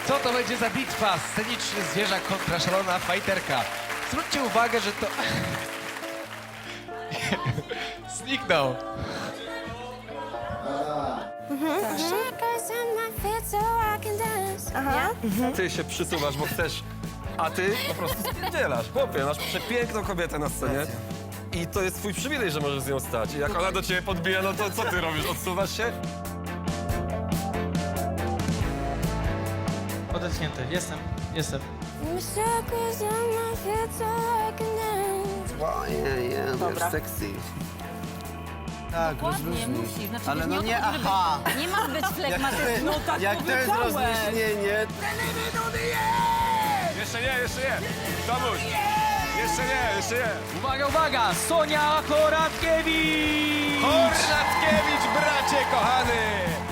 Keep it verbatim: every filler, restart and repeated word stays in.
Co to będzie za bitwa? Sceniczny zwierzak kontra szalona fajterka. Zwróćcie uwagę, że to... Zniknął. Aha. Ty się przysuwasz, bo chcesz, a ty po prostu spierdzielasz. Chłopie, masz przepiękną kobietę na scenie i to jest twój przywilej, że możesz z nią stać. I jak ona do ciebie podbija, no to co ty robisz? Odsuwasz się? Odetchnięty. Jestem, jestem. Nie, nie, Dobra. wiesz, sexy. Tak, Nie rozluźnij. musi, znaczy Ale no nie, nie, o to, żeby- aha. nie ma być flegmatyczny. No tak Jak to jest rozluźnienie, Jeszcze nie, jeszcze nie! Tomuś! Jeszcze nie, jeszcze nie! Uwaga, uwaga! Sonia Horatkiewicz! Hornatkiewicz, bracie kochany!